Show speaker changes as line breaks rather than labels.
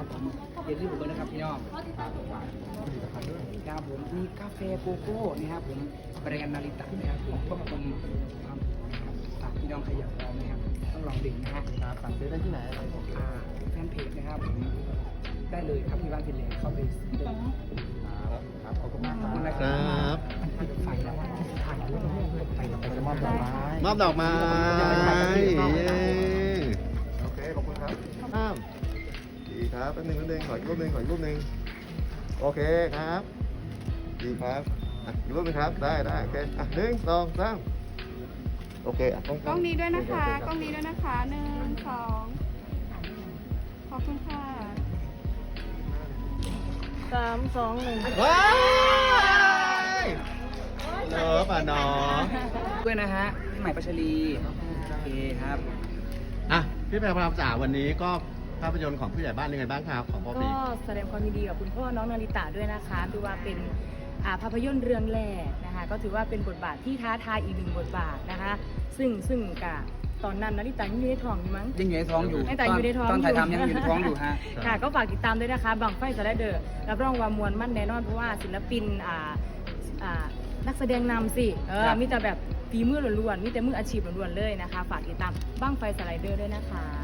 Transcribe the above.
นะครับผมอย่าลืมเบอร์นะครับพี่น้องครับผมมีกาแฟโกโก้นะครับผมแบรนด์นาริตะนะครับผมควบคุมความฝากพี่น้องขยับเรานะครับต้องลองดื่มนะฮะ
ครับสั่งซื้อได้ที่ไหน
แฟนเพจนะครับผมได้เลยครับพี่บ้านพินเลนเข้าไปซื้อได้
ครับขอบคุณมากครับ
ครับ
ไฟแล้วถ่ายรูปไปเราไป
จะมอบดอกไม้
มอบดอกไม้เย้
โอเคขอบคุณครับห้ามดีครับแป๊บนึงขออีกรูปหนึ่งโอเคครับดีครับอีกรูปหนึงครับได้โอเค1 2 3โอเค
กล้องนี้ด้วยนะคะกล้องนี้ด้วยนะคะ1 2ขอบคุณค่ะ3 2 1
ว้ายเลิฟอ่ะน้อง
ด้วยนะฮะพี่ใหม่ปัชรีโอเคครับ
อ่ะพี่แพรพรามจ๋าวันนี้ก็ภาพยนตร์ของผู้ใหญ่บ้านยังไงบ้างครับของพ่อ
ก็
ปี
แสดงความยินดีกับคุณพ่อน้องนาริตะด้วยนะคะถือว่าเป็นภาพยนตร์เรื่องแรกนะคะก็ถือว่าเป็นบทบาทที่ท้าทายอีกหนึ่งบทบาทนะคะซึ่งกับตอนนั้นนาริตะยังอยู่ในท้องอยู่มั้ง
ยังอยู่ในท้องอยู่
ตั้งแต่อยู่ในท้อง
ตอนถ่ายทำยังอยู่ในท้องอยู่ฮะ
ค่ะก็ฝากติดตามด้วยนะคะบังไฟสไลเดอร์รับรองว่ามวลมั่นแน่นอนเพราะว่าศิลปินนักแสดงนำสิมีแต่แบบฝีมือล้วนๆมีแต่มืออาชีพล้วนๆเลยนะคะฝากติดตามบังไฟสไลเดอร์ด้วยนะคะ